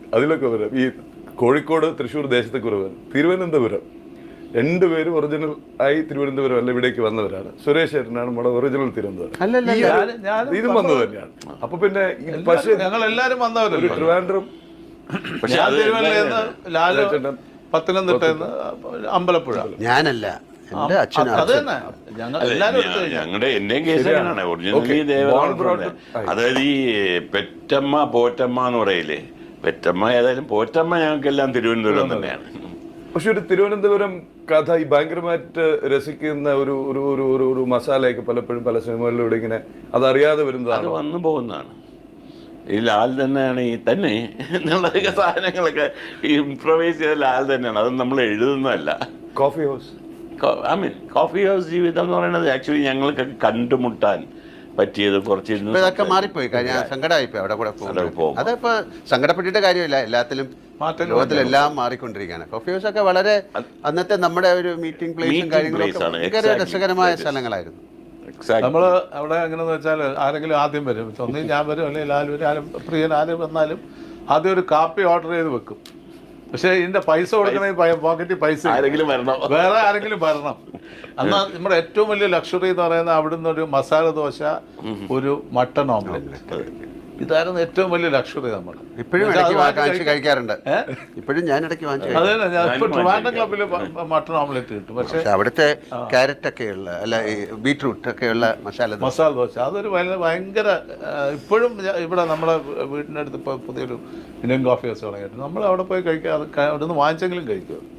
അതിലൊക്കെ വരാം. ഈ കോഴിക്കോട് തൃശ്ശൂർ ദേശത്തൊക്കെ വരാം. തിരുവനന്തപുരം രണ്ടുപേരും ഒറിജിനൽ ആയി തിരുവനന്തപുരം അല്ല ഇവിടേക്ക് വന്നവരാണ്. സുരേഷ് ചേട്ടനാണ് നമ്മുടെ ഒറിജിനൽ തിരുവനന്തപുരം. ഇതും വന്നത് തന്നെയാണ്. അപ്പൊ പിന്നെ പക്ഷേ ഞങ്ങൾ എല്ലാരും വന്നവരല്ലോ. ട്രിവാൻഡ്രം, പത്തനംതിട്ട, അമ്പലപ്പുഴ. ഞാനല്ല, എന്റെ അച്ഛൻ. അത് തന്നെ ഞങ്ങളുടെ എന്റെയും കേസ് അങ്ങനെയാണ്. ഒറിജിനലി ദേവതാ, അതായത് ഈ പെറ്റമ്മ പോറ്റമ്മ എന്ന് പറയില്ലേ, പെറ്റമ്മ ഏതായാലും പോറ്റമ്മ ഞങ്ങൾക്കെല്ലാം തിരുവനന്തപുരം തന്നെയാണ്. പക്ഷെ ഒരു തിരുവനന്തപുരം കഥ ഈ ഭയങ്കരമായിട്ട് രസിക്കുന്ന ഒരു ഒരു ഒരു ഒരു ഒരു മസാലയൊക്കെ പലപ്പോഴും പല സിനിമകളിലൂടെ ഇങ്ങനെ അതറിയാതെ വരുന്നതാണ്, വന്നു പോകുന്നതാണ്. ഈ ലാൽ തന്നെയാണ് ഈ തന്നെ എന്നുള്ള സാധനങ്ങളൊക്കെ ഇംപ്രവൈസ് ചെയ്ത ലാൽ തന്നെയാണ്. അത് നമ്മൾ എഴുതുന്നതല്ല. കോഫി ഹൗസ്, കോഫി ഹൗസ് ജീവിതം എന്ന് പറയുന്നത് ആക്ച്വലി ഞങ്ങൾക്ക് കണ്ടുമുട്ടാൻ പറ്റിയത് കുറച്ച് ഇതൊക്കെ മാറിപ്പോയി. സങ്കടമായിപ്പോയി അവിടെ കൂടെ പോകും. അതിപ്പോ സങ്കടപ്പെട്ടിട്ട് കാര്യമില്ല, എല്ലാത്തിലും ലോകത്തിലെല്ലാം മാറിക്കൊണ്ടിരിക്കുകയാണ്. കോഫി ഹൗസ് ഒക്കെ വളരെ അന്നത്തെ നമ്മുടെ ഒരു മീറ്റിംഗ് പ്ലേസും കാര്യങ്ങളൊക്കെ ഭയങ്കര രസകരമായ സ്ഥലങ്ങളായിരുന്നു. നമ്മള് അവിടെ എങ്ങനെയെന്ന് വെച്ചാൽ ആരെങ്കിലും ആദ്യം വരും, ഒന്നീ ഞാൻ വരും അല്ലെങ്കിൽ ലാൽ വരും, ആരും പ്രിയൻ ആരും വന്നാലും ആദ്യം ഒരു കാപ്പി ഓർഡർ ചെയ്ത് വെക്കും. പക്ഷെ ഇതിന്റെ പൈസ കൊടുക്കണമെങ്കിൽ പോക്കറ്റിൽ പൈസ ആരെങ്കിലും വരണം, വേറെ ആരെങ്കിലും വരണം. എന്നാൽ നമ്മുടെ ഏറ്റവും വലിയ ലക്ഷറി എന്ന് പറയുന്നത് അവിടുന്ന് ഒരു മസാല ദോശ, ഒരു മട്ടൺ ഓംലെറ്റ്, ഇതായിരുന്നു ഏറ്റവും വലിയ ലക്ഷറി. നമ്മൾ ഇപ്പോഴും കഴിക്കാറുണ്ട്. ഇപ്പോഴും ഞാൻ ഇടയ്ക്ക് വാങ്ങിച്ചു. അതെ, ഞാൻ ഇപ്പൊ ട്രിവാൻഡ്രം ക്ലബിൽ മട്ടൺ ഓംലെറ്റ് കിട്ടും. പക്ഷെ അവിടുത്തെ ക്യാരറ്റ് ഒക്കെയുള്ള അല്ല ബീട്രൂട്ട് ഒക്കെയുള്ള മസാല ദോശ അതൊരു ഭയങ്കര ഇപ്പോഴും ഇവിടെ നമ്മുടെ വീടിൻ്റെ അടുത്ത് ഇപ്പോൾ പുതിയൊരു ഇന്ത്യൻ കോഫി ഹൗസ് തുടങ്ങിയിട്ട് നമ്മൾ അവിടെ പോയി കഴിക്കുക. അത് അവിടെ നിന്ന് വാങ്ങിച്ചെങ്കിലും കഴിക്കും.